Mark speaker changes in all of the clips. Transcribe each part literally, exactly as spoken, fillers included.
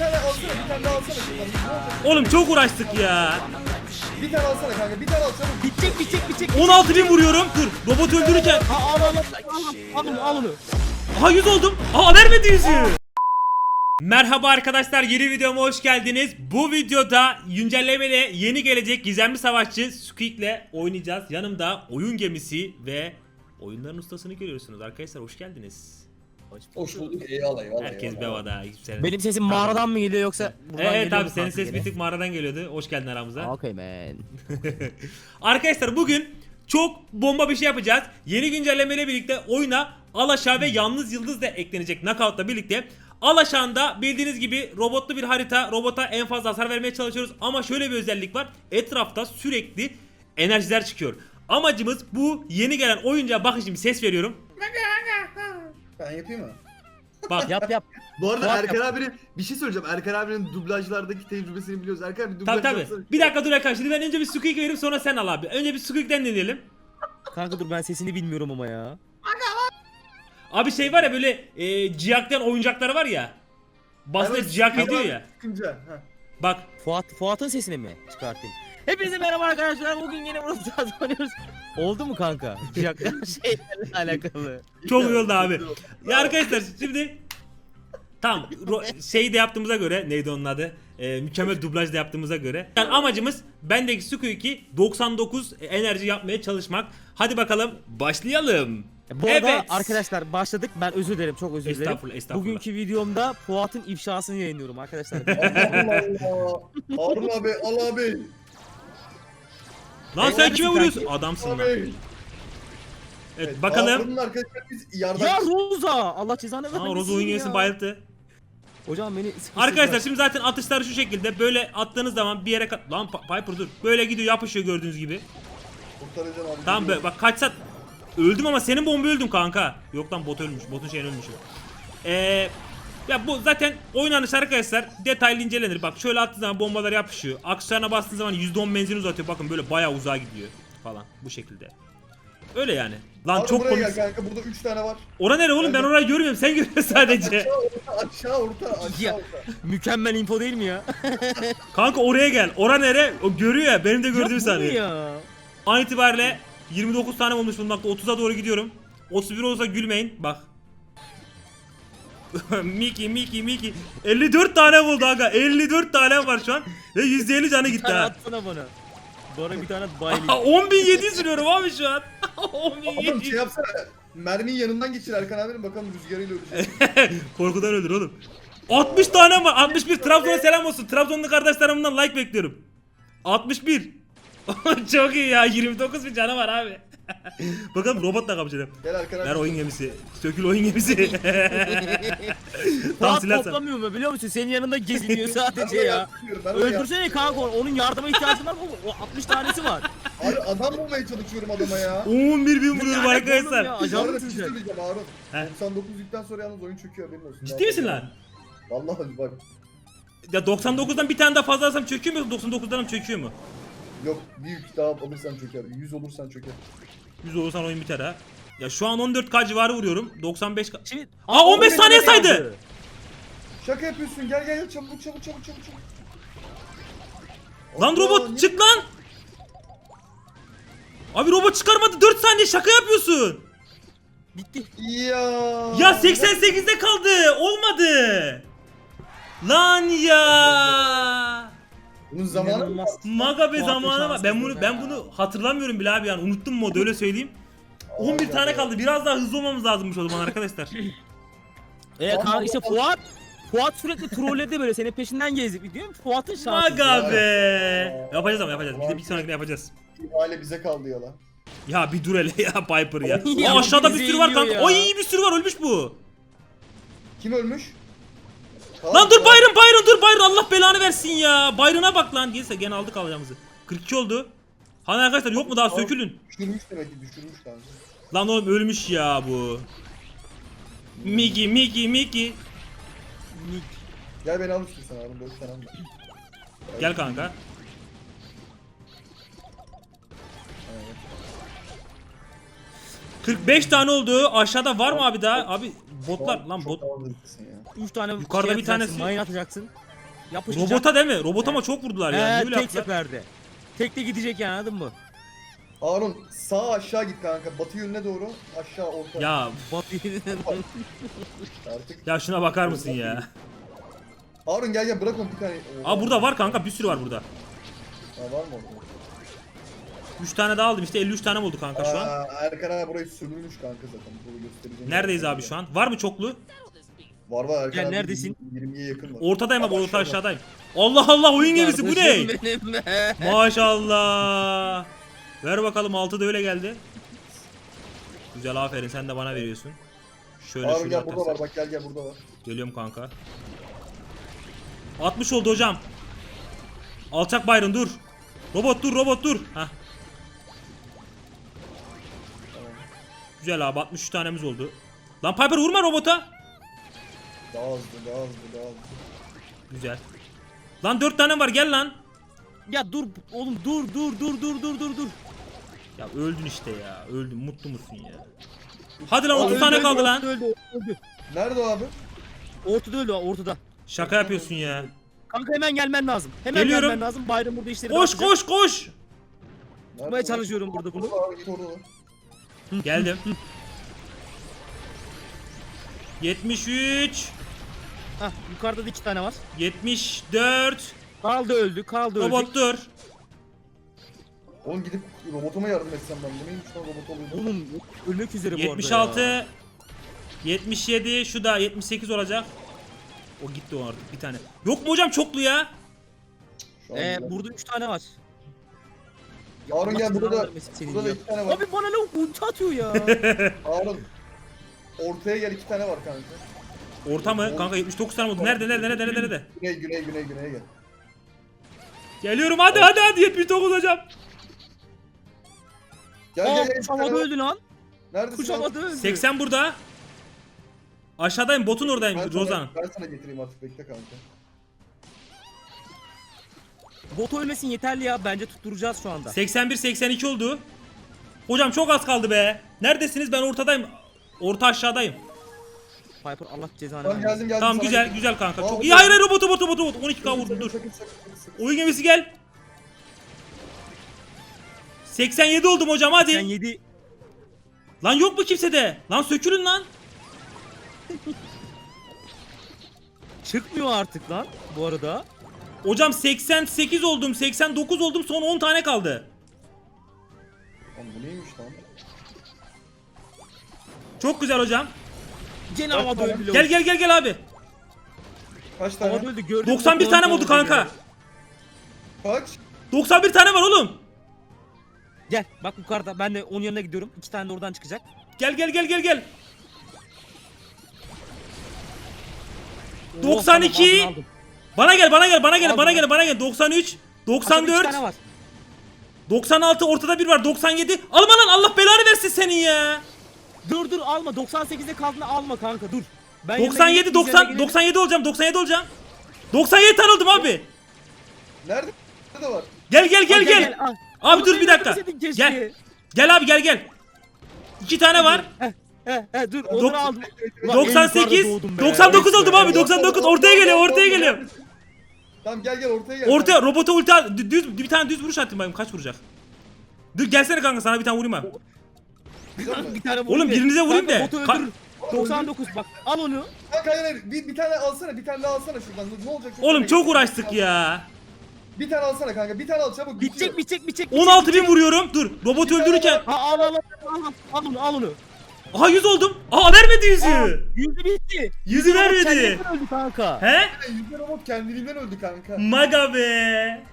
Speaker 1: tane alsana, bir tane daha alsana şuradan.
Speaker 2: Oğlum çok uğraştık ya.
Speaker 1: Bir tane alsana kanka, bir tane al çabuk.
Speaker 3: Bitecek bitecek bitecek.
Speaker 2: on altı bin vuruyorum. Dur. Robot öldürürken.
Speaker 3: Al al al al al onu al onu.
Speaker 2: Aha yüz oldum. Aa vermedi yüzü. Merhaba arkadaşlar, yeni videoma hoş geldiniz. Bu videoda güncellemeyle yeni gelecek gizemli savaşçı Squeak'le oynayacağız. Yanımda oyun gemisi ve oyunların ustasını görüyorsunuz. Arkadaşlar hoş geldiniz.
Speaker 1: Hoş bulduk, eyvallah eyvallah.
Speaker 2: Herkes bevada. Hiçbir
Speaker 3: Benim sesim mağaradan mı geliyor yoksa buradan
Speaker 2: Evet
Speaker 3: geliyor
Speaker 2: abi,
Speaker 3: mu
Speaker 2: senin
Speaker 3: kanka
Speaker 2: ses
Speaker 3: yine?
Speaker 2: bir tık mağaradan geliyordu. Hoş geldin aramıza.
Speaker 3: Okay man.
Speaker 2: Arkadaşlar bugün çok bomba bir şey yapacağız. Yeni güncellemeyle birlikte oyuna Alaşağı ve Yalnız Yıldız da eklenecek Knockout'la birlikte. Alaşağı'nda bildiğiniz gibi robotlu bir harita. Robota en fazla hasar vermeye çalışıyoruz. Ama şöyle bir özellik var. Etrafta sürekli enerjiler çıkıyor. Amacımız bu yeni gelen oyuncağa, bakın şimdi ses veriyorum.
Speaker 1: Ben yapayım mı?
Speaker 2: Bak
Speaker 3: Yap yap.
Speaker 4: Bu arada
Speaker 3: Fuat
Speaker 4: Erkan
Speaker 3: yap.
Speaker 4: abinin bir şey söyleyeceğim. Erkan abinin dublajlardaki tecrübesini biliyoruz. Erkan abi dublaj
Speaker 2: tabi tabi.
Speaker 4: yapsana.
Speaker 2: Bir dakika dur Erkan, şimdi ben önce bir Squeak vereyim, sonra sen al abi. Önce bir Squeak'ten deneyelim.
Speaker 3: Kanka dur, ben sesini bilmiyorum ama ya.
Speaker 2: Abi şey var ya, böyle e, ciyaktan oyuncakları var ya. Basınca
Speaker 4: Evet,
Speaker 2: ciyak
Speaker 4: tamam,
Speaker 2: ediyor ya.
Speaker 4: Çıkınca. heh.
Speaker 2: Bak.
Speaker 3: Fuat Fuat'ın sesini mi çıkartayım? Hepinize merhaba arkadaşlar. Bugün yine burada oynuyoruz. Oldu mu kanka? Ciyaklar şeylerle alakalı.
Speaker 2: Çok iyi oldu abi. Ya arkadaşlar şimdi tam şey de yaptığımıza göre, neydi onun adı? Ee, mükemmel dublaj da yaptığımıza göre. Yani amacımız bendeki Squeak'i doksan dokuz enerji yapmaya çalışmak. Hadi bakalım başlayalım.
Speaker 3: Bu arada
Speaker 2: Evet.
Speaker 3: arkadaşlar başladık. Ben özür dilerim, çok özür dilerim.
Speaker 2: Estağfurullah, estağfurullah.
Speaker 3: Bugünkü videomda Fuat'ın ifşasını yayınlıyorum arkadaşlar.
Speaker 1: Allah Allah. Harun abi, al abi.
Speaker 2: Lan sen
Speaker 3: Eyvallah
Speaker 2: kime
Speaker 3: kanki.
Speaker 2: vuruyorsun? Adamsın lan.
Speaker 1: Abi.
Speaker 2: Evet bakalım.
Speaker 1: Harun'un arkadaşlar biz yardım.
Speaker 3: Ya Roza! Allah cezanı vermesin.
Speaker 2: Aa, Rozo oyun
Speaker 3: ya.
Speaker 2: gemisi bayılttı.
Speaker 3: Hocam beni sıkıştırdı.
Speaker 2: Arkadaşlar şimdi zaten atışları şu şekilde, böyle attığınız zaman bir yere kat... Lan Pa- Piper dur. Böyle gidiyor, yapışıyor gördüğünüz gibi.
Speaker 1: Kurtaracağım abi.
Speaker 2: Tamam be, bak kaç saat öldüm ama senin bomba öldüm kanka. Yok lan, bot ölmüş. Botun şeyin ölmüş. Eee ya bu zaten oynanış arkadaşlar, detaylı incelenir. Bak şöyle attığı zaman bombalar yapışıyor. Aksesuarına bastığın zaman yüzde on menzil uzatıyor. Bakın böyle bayağı uzağa gidiyor falan bu şekilde. Öyle yani. Lan
Speaker 1: Harun
Speaker 2: çok
Speaker 1: buraya
Speaker 2: komik.
Speaker 1: gel kanka, burada üç tane var.
Speaker 2: Ora nere oğlum, ben orayı görmüyorum. Sen görüyorsun sadece.
Speaker 1: Aşağı orta, aşağı orta, aşağı
Speaker 3: Ya.
Speaker 1: orta.
Speaker 3: Mükemmel info değil mi ya?
Speaker 2: Kanka oraya gel. Ora nere? O görüyor ya. Benim de gördüğüm
Speaker 3: Ya bu ne
Speaker 2: saniye.
Speaker 3: ya?
Speaker 2: An itibariyle yirmi dokuz tane olmuş bulunmakta. otuza doğru gidiyorum. otuz bir olursa gülmeyin. Bak. Miki Miki Miki. elli dört tane buldu aga. elli dört tane var şu an. Ve yüzde elli canı
Speaker 3: Bir
Speaker 2: gitti
Speaker 3: tane
Speaker 2: ha.
Speaker 3: atsana bana. Bana bir tane baylayayım.
Speaker 2: on bin yedi yüz sürüyorum abi şu an. on bin
Speaker 1: Oğlum
Speaker 2: yedi
Speaker 1: şey
Speaker 2: yüz.
Speaker 1: yapsana. Mermiyi yanından geçir Erkan abinin, bakalım rüzgarıyla ölecek.
Speaker 2: Korkudan ölür oğlum. altmış tane var. altmış bir. Trabzon'a selam olsun. Trabzonlu kardeşlerimden like bekliyorum. altmış bir. Çok iyi ya. yirmi dokuz bin canı var abi. Bakalım robotla kapışalım.
Speaker 1: Gel Erkan abi.
Speaker 2: Ver oyun gemisi. Sökül oyun gemisi. Tam
Speaker 3: Fuat
Speaker 2: silersen.
Speaker 3: toplamıyor mu biliyor musun? Senin yanında geziniyor
Speaker 1: Ben
Speaker 3: sadece
Speaker 1: oraya
Speaker 3: ya.
Speaker 1: yapmıyorum, ben oraya
Speaker 3: Öldürsene kanka onu. Onun yardıma ihtiyacı var mı? O altmış tanesi var.
Speaker 1: Abi adam bulmaya çalışıyorum adama ya.
Speaker 2: on bir bin vuruyorum
Speaker 3: Yani
Speaker 2: arkadaşlar.
Speaker 3: oğlum ya,
Speaker 1: Bu
Speaker 3: ajan
Speaker 1: arada
Speaker 3: mısın
Speaker 1: bir şey
Speaker 3: sen?
Speaker 1: söyleyeceğim Harun.
Speaker 2: He.
Speaker 1: doksan dokuz yükten sonra yalnız oyun çöküyor, haberin olsun.
Speaker 2: Ciddi misin lan?
Speaker 1: Vallahi bak.
Speaker 2: Ya doksan dokuzdan bir tane daha fazla alsam çöküyor mu? doksan dokuzdan çöküyor mu?
Speaker 1: Yok, bir yük daha alırsan çöker. yüz olursan çöker.
Speaker 2: yüz olursan oyun biter ha. Ya şu an on dört K civarı vuruyorum. doksan beş K.
Speaker 3: Şimdi...
Speaker 2: Aa, on beş
Speaker 3: on beş
Speaker 2: saniye
Speaker 3: tane
Speaker 2: saydı.
Speaker 3: kaldı.
Speaker 1: Şaka yapıyorsun, gel gel gel, çabuk çabuk çabuk çabuk çabuk.
Speaker 2: Lan
Speaker 1: Allah,
Speaker 2: robot
Speaker 1: niye-
Speaker 2: çık lan. Abi robot çıkarmadı, dört saniye, şaka yapıyorsun.
Speaker 3: Bitti.
Speaker 1: Ya.
Speaker 2: Ya seksen sekizde kaldı. Olmadı. Lan ya.
Speaker 1: Bunun zamanı mı?
Speaker 3: İnanılmaz.
Speaker 2: Maga be
Speaker 3: Fuat'ın
Speaker 2: zamanı var. Ben bunu
Speaker 3: şanssızlığı
Speaker 2: ben
Speaker 3: ya.
Speaker 2: bunu hatırlamıyorum bile abi, yani unuttum modu, öyle söyleyeyim. on bir
Speaker 1: Ay,
Speaker 2: tane
Speaker 1: ay,
Speaker 2: kaldı. Biraz daha hızlı olmamız lazımmış o zaman arkadaşlar.
Speaker 3: Evet
Speaker 1: Ama-
Speaker 3: kanka işte Fuat Fuat sürekli trolledi böyle, senin peşinden gezdik biliyor musun? Fuat'ın şansı.
Speaker 2: Maga be. Yapacağız ama yapacağız. Bir de bir sonrakine yapacağız.
Speaker 1: İhale bize kaldı ya lan.
Speaker 2: Ya bir dur hele ya Piper ya.
Speaker 3: Ya
Speaker 2: Aa, aşağıda bir
Speaker 3: bizi
Speaker 2: sürü var
Speaker 3: yiyor
Speaker 2: kanka.
Speaker 3: ya.
Speaker 2: Ay bir sürü var, ölmüş bu.
Speaker 1: Kim ölmüş?
Speaker 2: Lan dur Byron Byron dur Byron, Allah belanı versin ya. Byron'a bak lan. Gelirse gene aldık alacağımızı. kırk iki oldu. Hani arkadaşlar yok mu daha, sökülün.
Speaker 1: Düşürmüş demek ki, düşürmüş kanka.
Speaker 2: Lan oğlum ölmüş ya bu. Miki Miki Miki.
Speaker 1: Gel beni al istiyorsan Harun, dört tane al.
Speaker 2: Gel kanka. kırk beş tane oldu. Aşağıda var mı abi daha? Abi botlar lan bot.
Speaker 1: Çok havalı herifsin ya.
Speaker 3: üç tane
Speaker 2: Yukarıda
Speaker 3: şey
Speaker 2: bir
Speaker 3: atacaksın,
Speaker 2: tanesi-
Speaker 3: mayın atacaksın. Yapışacak.
Speaker 2: Robota değil mi? Robota ama çok vurdular ya.
Speaker 3: He,
Speaker 2: Niye öyle
Speaker 3: tek
Speaker 2: yaptılar?
Speaker 3: seferde. Tek de gidecek yani, anladın mı?
Speaker 1: Harun sağ aşağı git kanka. Batı yönüne doğru aşağı orta.
Speaker 2: Ya
Speaker 3: Batı
Speaker 1: Artık.
Speaker 2: ya şuna bakar mısın ya?
Speaker 1: Harun gel gel bırak onu bir tane. Oha.
Speaker 2: Aa burada var kanka, bir sürü var burada.
Speaker 1: Ha, var mı orada?
Speaker 2: üç tane daha aldım işte, elli üç tane oldu kanka şu an.
Speaker 1: Aa, Erkan abi burayı sömürmüş kanka zaten. Bunu göstereceğim.
Speaker 2: Neredeyiz abi şu an? Var mı çoklu?
Speaker 1: Var var Erkan
Speaker 3: Gel,
Speaker 1: abi.
Speaker 3: neredesin?
Speaker 1: yirmiye yakın var.
Speaker 2: Ortadayım abi,
Speaker 1: Ama
Speaker 2: orta
Speaker 1: şurada.
Speaker 2: aşağıdayım. Allah Allah, oyun gemisi bu ne?
Speaker 3: Kardeşim benim be.
Speaker 2: Maşallah. Ver bakalım, altı da öyle geldi. Güzel, aferin, sen de bana veriyorsun. Şöyle
Speaker 1: Harun
Speaker 2: şuraya
Speaker 1: gel burada
Speaker 2: atarsak.
Speaker 1: var bak gel gel burada var.
Speaker 2: Geliyorum kanka. altmış oldu hocam. Alçak Byron dur. Robot dur, robot dur. Hah. Güzel abi, altmış üç tanemiz oldu. Lan Piper vurma robota.
Speaker 1: Daha hızlı daha hızlı daha hızlı.
Speaker 2: Güzel. Lan dört tane var, gel lan.
Speaker 3: Ya dur oğlum, dur dur dur dur dur dur dur.
Speaker 2: Ya öldün işte ya. Öldün. Mutlu musun ya? Hadi lan,
Speaker 3: Aa,
Speaker 2: otuz
Speaker 3: öldü,
Speaker 2: tane
Speaker 3: öldü,
Speaker 2: kaldı lan.
Speaker 3: Ortada öldü, öldü.
Speaker 1: Nerede o abi?
Speaker 3: Ortada öldü, ortada.
Speaker 2: Şaka yapıyorsun ya.
Speaker 3: Kanka hemen gelmen lazım. Hemen
Speaker 2: Geliyorum.
Speaker 3: gelmen lazım. Bayram burada işleri
Speaker 2: Koş
Speaker 3: bırakacak.
Speaker 2: koş koş.
Speaker 1: Nerede
Speaker 3: Tutmaya çalışıyorum burada bunu.
Speaker 1: Orada abi git orada.
Speaker 2: Geldim. yetmiş üç.
Speaker 3: Hah, yukarıda da iki tane var.
Speaker 2: yetmiş dört.
Speaker 3: Kaldı öldü, kaldı öldü.
Speaker 2: Robot dur.
Speaker 1: Oğlum gidip robotuma yardım etsem ben. Bu neymiş lan robot oluyor.
Speaker 3: Oğlum ölmek üzere bu arada
Speaker 2: yetmiş
Speaker 3: ya.
Speaker 2: altı. yetmiş yedi. Şu da yetmiş sekiz olacak. O gitti o artık bir tane. Yok mu hocam çoklu ya?
Speaker 1: Şu an
Speaker 3: Ee,
Speaker 1: güzel.
Speaker 3: burada üç tane var.
Speaker 1: Harun
Speaker 3: Allah
Speaker 1: gel burada
Speaker 3: cezanı
Speaker 1: da
Speaker 3: vermesin senin
Speaker 1: burada da
Speaker 3: ya.
Speaker 1: iki tane var.
Speaker 3: Abi bana lavuk ulti atıyor ya.
Speaker 1: Harun ortaya gel iki tane var kanka.
Speaker 2: Orta mı? Kanka yetmiş dokuz tane oldu. Nerede nerede nerede nerede nerede?
Speaker 1: Güney güney güney güneye gel.
Speaker 2: Geliyorum, hadi hadi hadi, yetmiş dokuz hocam.
Speaker 1: Gel
Speaker 3: Aa,
Speaker 1: gel gel.
Speaker 3: kuş
Speaker 1: iki tane
Speaker 3: havada
Speaker 1: var.
Speaker 3: öldü lan.
Speaker 1: Neredesin
Speaker 3: Kuş
Speaker 1: abi?
Speaker 3: havada öldü.
Speaker 2: seksen burada. Aşağıdayım, botun
Speaker 1: Ben
Speaker 2: oradayım
Speaker 1: sana,
Speaker 2: Rozan.
Speaker 1: ben sana getireyim artık bekle kanka.
Speaker 3: Bot ölmesin yeterli ya. Bence tutturacağız şu anda.
Speaker 2: seksen bir seksen iki oldu. Hocam çok az kaldı be. Neredesiniz? Ben ortadayım. Orta aşağıdayım.
Speaker 3: Piper Allah cezanı
Speaker 1: Tamam
Speaker 3: vermesin.
Speaker 1: geldim geldim.
Speaker 2: Tamam
Speaker 1: sana
Speaker 2: güzel
Speaker 1: getireyim.
Speaker 2: güzel kanka.
Speaker 1: Aa,
Speaker 2: Çok
Speaker 1: bu
Speaker 2: iyi.
Speaker 1: da-
Speaker 2: Hayır hayır, robotu robotu robotu. on iki K
Speaker 1: Sakın,
Speaker 2: vurdu dur.
Speaker 1: sakın, sakın, sakın, sakın.
Speaker 2: Oyun gemisi gel. seksen yedi oldum hocam, hadi.
Speaker 3: Sen yedi.
Speaker 2: Lan yok mu kimsede? Lan sökülün lan.
Speaker 3: Çıkmıyor artık lan bu arada.
Speaker 2: Hocam seksen sekiz oldum, seksen dokuz oldum, son on tane kaldı.
Speaker 1: Lan bu neymiş lan?
Speaker 2: Çok güzel hocam.
Speaker 3: Gene havada öldü.
Speaker 2: Gel gel gel gel abi.
Speaker 1: Kaç tane?
Speaker 3: Havada öldü gördün mü?
Speaker 2: doksan bir tane mi oldu kanka?
Speaker 1: Kaç?
Speaker 2: doksan bir tane var oğlum.
Speaker 3: Gel bak yukarıda, ben de onun yanına gidiyorum. İki tane de oradan çıkacak.
Speaker 2: Gel gel gel gel gel.
Speaker 3: Oh,
Speaker 2: doksan iki.
Speaker 3: tamam, aldım, aldım.
Speaker 2: Bana gel bana gel bana gel
Speaker 3: Aldım
Speaker 2: bana
Speaker 3: ben.
Speaker 2: gel bana gel. doksan üç, doksan
Speaker 3: Aşağıda iki
Speaker 2: dört,
Speaker 3: tane var.
Speaker 2: doksan altı, ortada bir var, doksan yedi. Alma lan, Allah belanı versin senin ya.
Speaker 3: Dur dur alma, doksan sekizde kaldığında alma kanka dur. Ben yanına
Speaker 2: doksan yedi
Speaker 3: gelip üzerine
Speaker 2: doksan
Speaker 3: gelelim.
Speaker 2: doksan yedi olacağım, doksan yedi olacağım. doksan yedi tane oldum abi.
Speaker 1: Nerede? Nerede var?
Speaker 2: Gel gel gel
Speaker 3: Al,
Speaker 2: gel.
Speaker 3: al.
Speaker 2: Abi
Speaker 3: Al,
Speaker 2: dur
Speaker 3: beni
Speaker 2: bir dakika.
Speaker 3: öldürseydin keşke.
Speaker 2: Gel. Gel abi gel gel. İki tane var.
Speaker 3: He he dur
Speaker 2: Dok-
Speaker 3: onları aldım. Ulan en
Speaker 2: doksan
Speaker 3: yukarıda
Speaker 2: sekiz,
Speaker 3: doğdum be.
Speaker 2: doksan dokuz oldum abi.
Speaker 1: Orta,
Speaker 2: doksan dokuz
Speaker 1: orta,
Speaker 2: ortaya geliyor,
Speaker 1: orta,
Speaker 2: ortaya
Speaker 1: orta,
Speaker 2: geliyor.
Speaker 1: neredesin? Tamam gel gel ortaya gel.
Speaker 2: Ortaya robota ulti at- dü- düz bir tane düz vuruş attım bakayım kaç vuracak. Dur gelsene kanka, sana bir tane vurayım abi.
Speaker 1: Güzel mi?
Speaker 3: Bir tane vurayım
Speaker 2: Oğlum
Speaker 3: de.
Speaker 2: birinize vurayım
Speaker 3: Kanka,
Speaker 2: de.
Speaker 3: botu
Speaker 2: Ka-
Speaker 3: öldürür. doksan dokuz bak al onu.
Speaker 1: Kanka hayır hayır bir, bir tane alsana bir tane daha alsana şuradan. Ne olacak?
Speaker 2: Oğlum
Speaker 1: merak
Speaker 2: çok
Speaker 1: ettim.
Speaker 2: uğraştık ya.
Speaker 1: Bir tane alsana kanka bir tane al çabuk.
Speaker 3: Bitecek
Speaker 1: bitiyor.
Speaker 3: bitecek bitecek.
Speaker 2: on altı bin vuruyorum. Dur robot
Speaker 1: Bir tane
Speaker 2: öldürürken.
Speaker 1: var.
Speaker 3: Ha al al al al al onu al onu.
Speaker 2: Aha yüz oldum. Aa vermedi
Speaker 3: Aa,
Speaker 2: yüzü.
Speaker 3: yüzü bitti.
Speaker 2: Yüzü vermedi.
Speaker 3: Kendinden öldü kanka.
Speaker 2: He?
Speaker 1: Yüzde robot kendiliğinden öldü kanka.
Speaker 2: Maga be.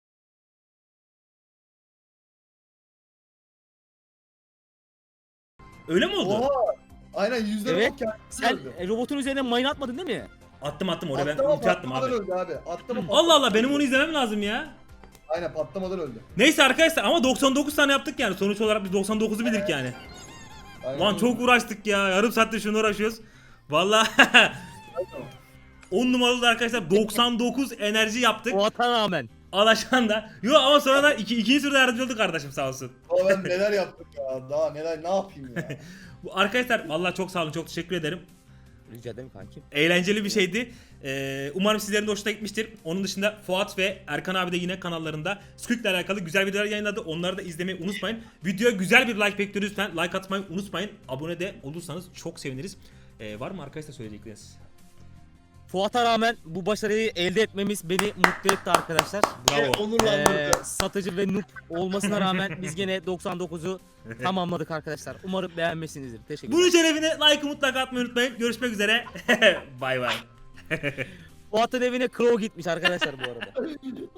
Speaker 2: Öyle mi oldu?
Speaker 1: Oha. Aynen yüzde
Speaker 3: Evet.
Speaker 1: robot kendiliğinden
Speaker 3: Sen
Speaker 1: öldü.
Speaker 3: e, robotun üzerine mayın atmadın değil mi?
Speaker 2: Attım attım oraya, ben
Speaker 1: Atlama
Speaker 2: ulti attım
Speaker 1: patlamadan
Speaker 2: abi.
Speaker 1: öldü abi. Atlama patlamadan.
Speaker 2: Allah Allah, benim onu izlemem lazım ya.
Speaker 1: Aynen patlamadan öldü.
Speaker 2: Neyse arkadaşlar, ama doksan dokuz tane yaptık yani. Sonuç olarak biz doksan dokuzu bildik yani.
Speaker 1: Aynen.
Speaker 2: Lan çok uğraştık ya. Yarım saattir şunu uğraşıyoruz. Vallahi on numaralı arkadaşlar, doksan dokuz enerji yaptık.
Speaker 3: O ata rağmen.
Speaker 2: Alaşan da. Yo ama sonradan iki, ikinci sırada yardımcı oldu kardeşim, sağ olsun.
Speaker 1: Daha ben neler yaptık ya. Daha neler ne yapayım ya.
Speaker 2: Bu arkadaşlar vallahi çok sağ olun, çok teşekkür ederim.
Speaker 3: Rica ederim kankim.
Speaker 2: Eğlenceli bir şeydi. Ee, umarım sizlerin de hoşuna gitmiştir. Onun dışında Fuat ve Erkan abi de yine kanallarında Squid ile alakalı güzel videolar yayınladı. Onları da izlemeyi unutmayın. Videoya güzel bir like bekliyoruz lütfen. Like atmayı unutmayın. Abone de olursanız çok seviniriz. Ee, var mı arkadaşlar söyleyecekleriniz?
Speaker 3: Fuat'a rağmen bu başarıyı elde etmemiz beni mutlu etti arkadaşlar.
Speaker 2: Bravo.
Speaker 1: Onurlandırdı.
Speaker 3: Ee, satıcı ve noob olmasına rağmen biz gene doksan dokuzu tamamladık arkadaşlar. Umarım beğenmişsinizdir. Teşekkürler.
Speaker 2: Bunun şerefine like'ı mutlaka atmayı unutmayın. Görüşmek üzere. Bay bay.
Speaker 3: Fuat'ın evine Crow gitmiş arkadaşlar bu arada.